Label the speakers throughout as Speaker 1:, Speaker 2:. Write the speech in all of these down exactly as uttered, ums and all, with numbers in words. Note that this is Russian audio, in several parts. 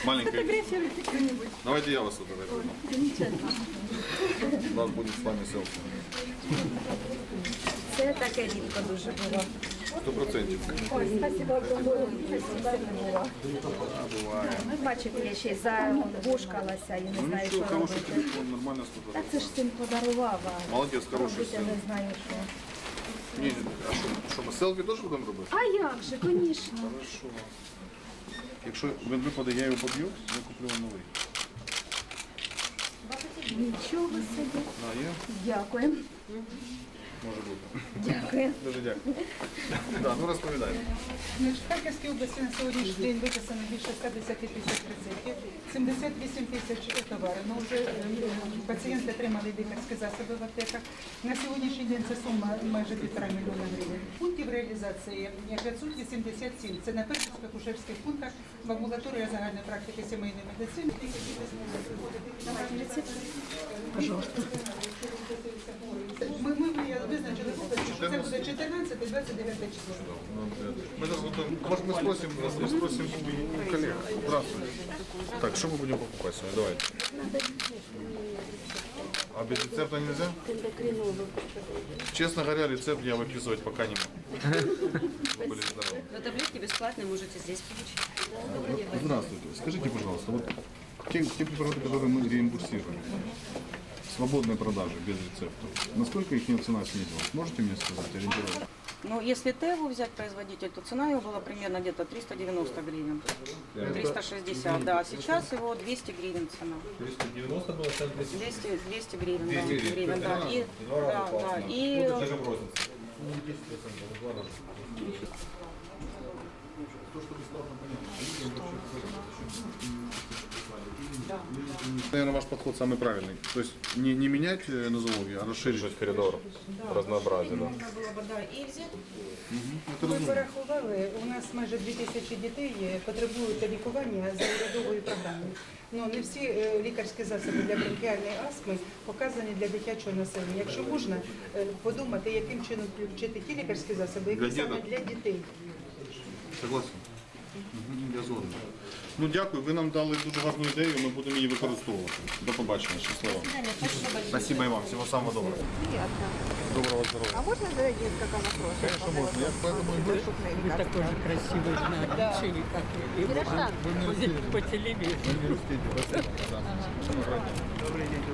Speaker 1: Маленькая. Давайте я вас сфотографирую. У нас будет с вами селфи.
Speaker 2: Це таке рідко дуже було.
Speaker 1: Сто процентів.
Speaker 2: Ой, спасибо огромное. Ну, бачите, я ще й забушкалася і не
Speaker 1: Ну
Speaker 2: знаю,
Speaker 1: нічого,
Speaker 2: що
Speaker 1: хороший
Speaker 2: робити.
Speaker 1: телефон, нормально
Speaker 2: Так
Speaker 1: сфотографував.
Speaker 2: це ж син подарував, а
Speaker 1: Молодець, хороший
Speaker 2: робити я
Speaker 1: син.
Speaker 2: не знаю, що.
Speaker 1: Ні, а що, що ми селфі теж будемо робити?
Speaker 2: А як же, звісно.
Speaker 1: Хорошо. Якщо він випаде, я його поб'ю, я куплю вам новий.
Speaker 2: Нічого собі.
Speaker 1: А, є?
Speaker 2: Дякую.
Speaker 1: Може бути.
Speaker 2: Дякую.
Speaker 1: Дуже дякую. Так, ну розповідай.
Speaker 3: В Харківській області на сьогоднішній день виписано більше ста десяти тисяч рецептів, сімдесят вісім тисяч товарів. Ну, вже е, пацієнти отримали лікарські засоби в аптеках. На сьогоднішній день це сума майже півтора мільйона гривень. Пунктів реалізації п'ятсот вісімдесят сім. Це на перших акушерських пунктах в амбулаторії загальної практики сімейної медицини.
Speaker 2: Пожалуйста.
Speaker 3: Ми, ми визначили область, що це буде чотирнадцяте двадцять дев'яте число.
Speaker 1: Мы сейчас готовим. Может, мы спросим, мы спросим у коллег. Здравствуйте. Так, что мы будем покупать сегодня? Давайте. А без рецепта нельзя? Честно говоря, рецепт я выписывать пока не могу. Вы были здоровы.
Speaker 4: Но таблетки бесплатные можете здесь получить.
Speaker 1: Здравствуйте. Скажите, пожалуйста, вот те, те препараты, которые мы реимбурсируем, свободной продажи, без рецепта, насколько их цена снизилась? Можете мне сказать, ориентировочно?
Speaker 4: Ну, если Теву взять производитель, то цена его была примерно где-то триста девяносто гривен. триста шестьдесят, да. Сейчас его двести гривен цена.
Speaker 5: триста девяносто было, сейчас двести.
Speaker 4: двести, двести гривен,
Speaker 5: двести
Speaker 4: да,
Speaker 5: гривен.
Speaker 4: гривен, да. И,
Speaker 5: Два раза
Speaker 4: да,
Speaker 5: классно.
Speaker 4: да. И
Speaker 5: Ну, это даже в рознице. Ну, десять процентов, в два раза.
Speaker 1: Наверное, ваш подход самый правильный. То есть не, не менять э, нозологию, а расширить
Speaker 5: Коридор. Разнообразие, да.
Speaker 4: нужно было бы, да, и взять.
Speaker 3: Ми порахували, у нас майже дві тисячі дітей потребують лікування за урядовою програмою. Ну, не всі е, лікарські засоби для бронхіальної астми показані для дитячого населення. Якщо можна е, подумати, яким чином включити ті лікарські засоби,
Speaker 1: Для
Speaker 3: які саме
Speaker 1: діток?
Speaker 3: для дітей.
Speaker 1: Согласен. Мгм, я згоден. Ну дякую, ви нам дали дуже гарну ідею, ми будемо її використовувати. До побачення, щасливо. Спасибо і вам, всього самого доброго. Доброго здоров'я.
Speaker 6: А можно задать несколько вопросов?
Speaker 1: Конечно, можно. Я поэтому и говорю,
Speaker 6: Вы такой же красивый на лечении, как и вы по телевизору.
Speaker 1: в университете. Спасибо. Да. Добрый день.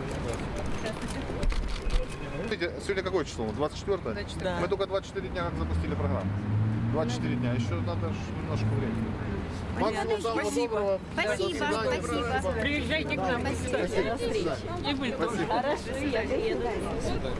Speaker 1: Смотрите, сегодня какое число? двадцать четвёртое?
Speaker 6: Да.
Speaker 1: Мы только двадцать четыре дня как запустили программу. двадцать четыре дня, еще надо ж немножко времени. Максимум самого доброго.
Speaker 2: Спасибо, спасибо.
Speaker 6: Приезжайте к нам, кстати, на встречу. И вы тоже.
Speaker 2: Хорошо, я приеду.